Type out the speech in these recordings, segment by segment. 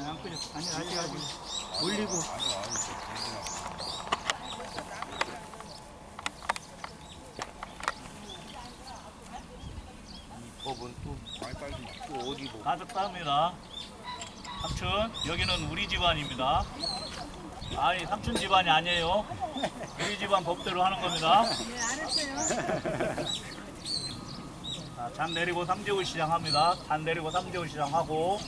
안 끓여. 아니 아직 올리고. 법은 또 어디 뭐 가득 쌉니다. 삼촌, 여기는 우리 집안입니다. 아니, 삼촌 집안이 아니에요. 우리 집안 법대로 하는 겁니다. 네, 알았어요. 자, 잔 내리고 삼재울 시작합니다. 잔 내리고 삼재울 시작하고,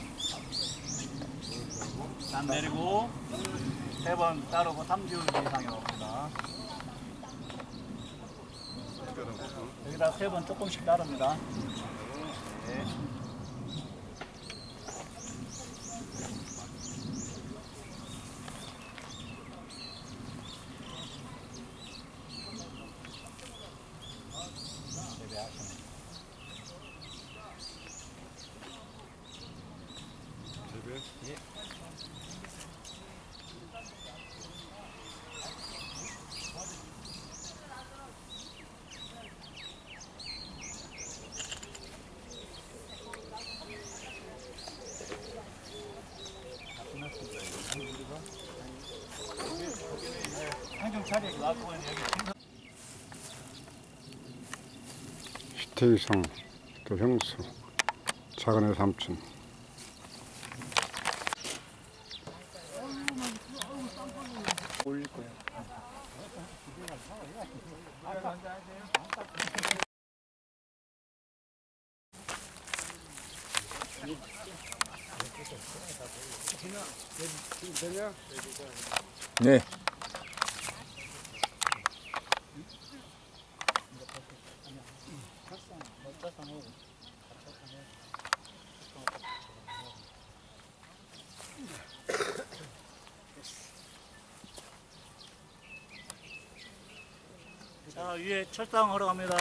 잔 내리고, 3번 따르고 삼재울 이상이 나옵니다. 여기다 3번 조금씩 따릅니다. 네. 한좀 차례 놔두고 여기 시태이성 또 형수 작은애 삼촌 올릴 거예요. 네. 자, 위에 철상 하러 갑니다.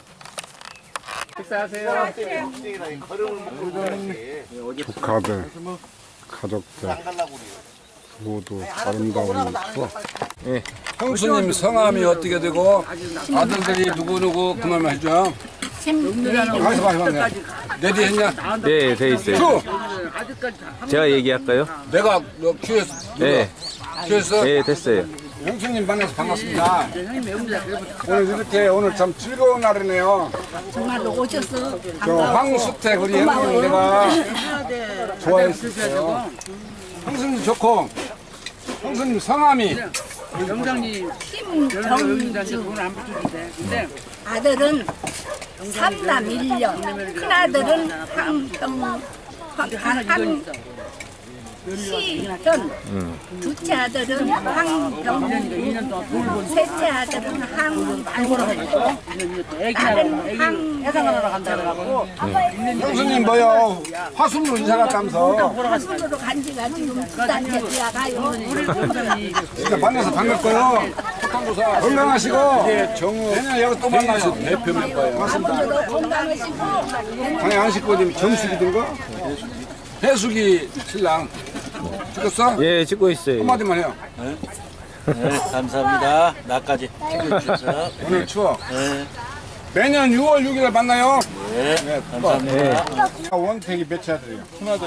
조카들 가족들 모두 아름다운 추억. 형수님 성함이 어떻게 되고 아들들이 누구누구 그만 해줘. 가서 봐. 내디 했냐? 네, 돼 있어요. 주! 제가 얘기할까요? 내가 너 큐에서 네. 큐에서 네, 됐어요. 형수님 만나서 반갑습니다. 오늘 이렇게 오늘 참 즐거운 날이네요. 정말로 오셔서 저 황수택 우리 형님 내가 좋아했어요. 형수님 좋고 형수님 성함이 김정주. 아들은 삼남 1년, 큰아들은 한시현, 둘째 아들은 황병, 셋째 아들은 황보라고, 나는 형수님 뭐요? 화순으로 이사 갔다면서 황순으로 간 지가 지금 9단째 들어가요. 진짜 만나서 반갑고요. 건강하시고 내년에 여기 또 만나요. 대표 멤버예요. 고맙습니다. 아버지도 건강하시고 방에 안 씻고 님 정수기든가? 해수기 신랑 찍었어? 예, 찍고 있어요. 한마디만 해요. 네, 감사합니다. 나까지 챙겨주셔서. 오늘 추억. 네, 매년 6월 6일에 만나요. 네, 감사합니다. 원택이 몇 차들이요?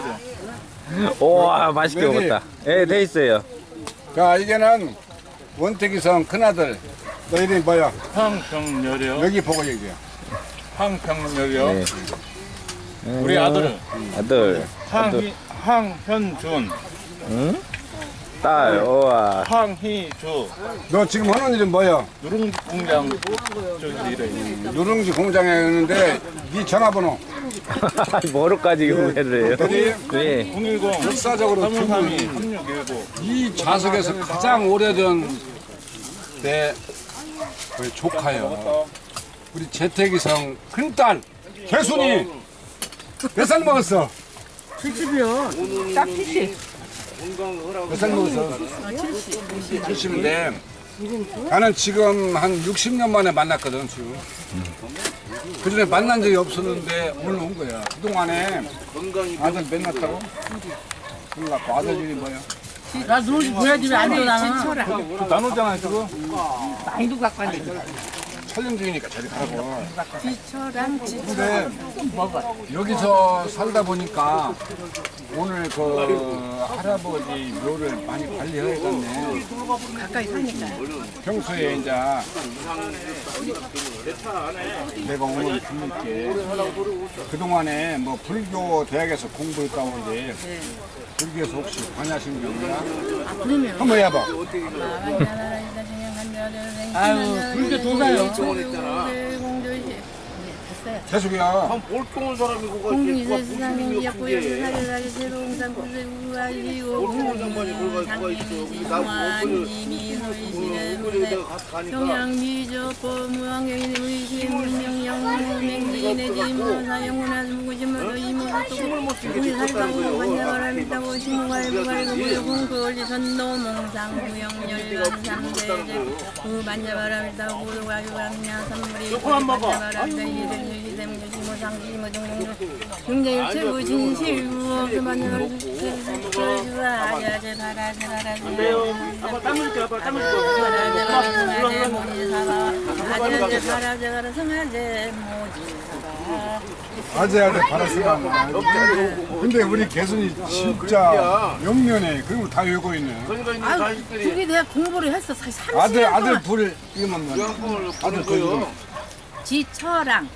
우와, 맛있게 왜지? 먹었다. 예, 돼 있어요. 자, 이게는 원택이성 큰아들. 너 이름이 뭐야? 황평열이요. 여기 보고 얘기해. 황평열이요. 네. 우리 아들은 아들. 황현준, 응? 딸, 우와. 황희주, 너 지금 하는 일은 뭐야? 누룽지 공장 쪽에서 일해요. 누룽지 공장에 있는데 네 전화번호. 뭐로까지 구매를 해요? 어디? 네. 010 역사적으로 332 3619. 이 좌석에서 가장 오래된 내 우리 조카요. 우리 재택이성 큰딸 개순이 몇 살 먹었어? 70이요. 딱 70. 몇 살 먹었어? 70인데 나는 지금 한 60년 만에 만났거든 지금. 그전에 만난 적이 없었는데 오늘 온 거야. 그동안에 아들 맨 낳았다고? 몰랐고 아들 이름이 뭐야? 나 누룽지 보여주면 안 돼, 나는. 나누잖아 지금. 많이도 갖고 왔는데. 촬영 중이니까 저리 가라고. 지처랑 근데 여기서 살다 보니까 오늘 그 할아버지 묘를 많이 관리해야겠네. 가까이 사니까. 평소에 이제 내가 오늘 부모께 그동안에 뭐 불교 대학에서 공부했다 오는데 불교에서 혹시 관야신경이나 그러면 한번 해봐. 아유 불교 도사요. 계속이야. 공리세상이 약고요 사례라리 새로운 상구를 우아이고 공상이미성환이미 서이시는 경양미저법 무한경인 의심 문명영맹기내지 사영문화 무구심으로 이모도 우리 살가고 관자가라미다고 신무갈부갈고 무용공거리 선도몽상 무영열반 상대제 우반자바라미다고 고도가유강냐 선물이 반자바라미다 이들 경제일체부 진실부 그만을 주아야제 바라제 아재아재 바라스가 근데 우리 개순이 진짜 영면에 그리고 다 외고 있네. 아유 그게 내가 공부를 했어 사실 30년 아들 동안 불 이거만 아들 불 지처랑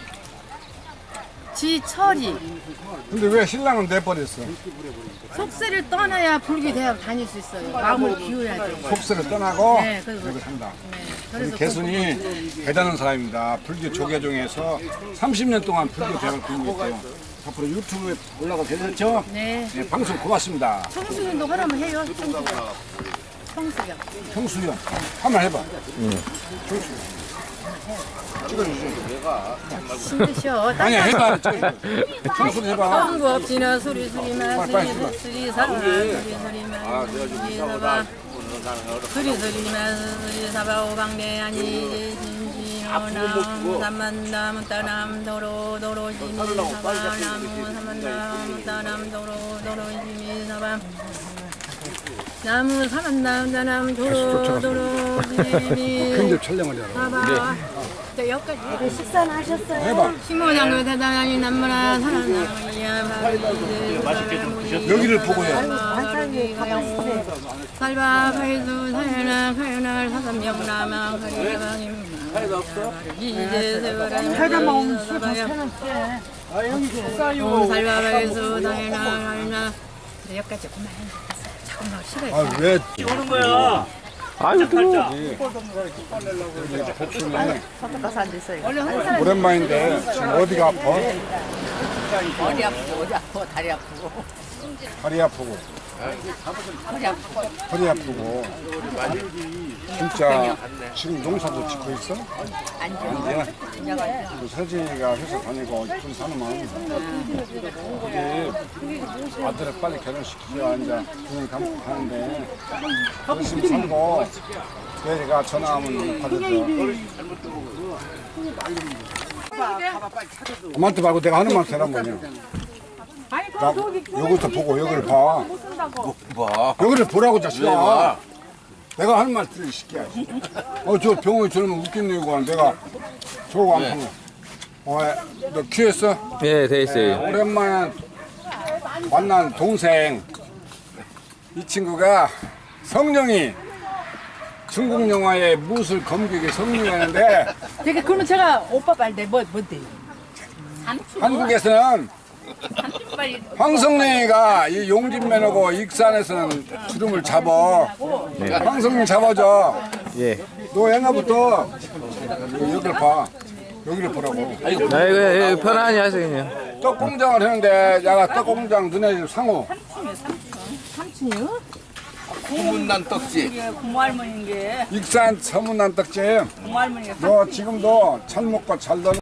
지철이 근데 왜 신랑은 내버렸어? 속세를 떠나야 불교 대학 다닐 수 있어요. 마음을 비워야 돼. 속세를 떠나고 네, 그래서- 여기 산다. 네, 우리 그래서 개순이 대단한 사람입니다. 불교 조계종에서 30년 동안 불교 대학을 공부했대요. 앞으로 유튜브에 올라가도 되겠죠? 네. 네, 방송 고맙습니다. 청수년도 하라면 해요. 청수년. 형수연 한번 해봐. 찍어주죠. 힘드셔. 아니야 해봐. 형수연 해봐. 거 없지나 소리 마시니 소리 사바 소리 사바 소리 사바 오방내 아니 진지노남 삼만남 따남 도로 도로 지미 사바 나무 삼만남 따남 도로 도로 지미 사바 나무 삼만남 따남 도로 도로 지미 근접 촬영을 해라. 사바 여기까지 식사는 하셨어요? 해봐. 시모장로 대단하니 남무라 사랑이야 맛있게 좀 드셨어요? 여기를 보고 해. 살바 팔수 사연아 가연아 사삼영나마 가리바님 이제 세월아 살바마음 살바 팔수 사연아 가연아 여기까지 그만 잠깐만 시간이 아 왜? 오는 거야. 아유, 뜨거워. 복수는 원래 한 사람 오랜만인데 지금 어디가 아파? 어디 아프고 다리 아프고 다리 아프고 허리 아프고 진짜 지금 농사도 짓고 있어? 아니야. 그 서진이가 회사 다니고 좀 사놓으면 그게 아들을 빨리 결혼시키자 이제 그냥 가는데 열심히 살고 내가 전화하면 받아줘. 엄마한테 말고 내가 하는 말 대란 거냐? 나 여기서 보고 여기를 봐. 여기를 보라고 자식아. 내가 하는 말 들으 시키야. 저 병원에 저러면 웃겠네 이거. 내가 저거 안 보고. 너 귀했어? 예, 돼 있어요. 오랜만에 만난 동생. 이 친구가 성령이 중국 영화의 무술 검객의 성령이었는데 되게 그러면 제가 오빠 말대 뭔데? 한국에서는 황성래가 이 용진면하고 익산에서는 주름을 잡아. 황성래 잡아줘. 예. 너 옛날부터 여기를 봐. 여기를 보라고. 아이고, 예, 편안히 하세요, 그냥. 떡 공장을 했는데 내가 떡 공장 너네 집 상호. 삼촌이요? 소문난 떡집. 고모할머니인 게 익산 서문난 떡집. 고모할머니가 너 지금도 잘 먹고 잘 놀.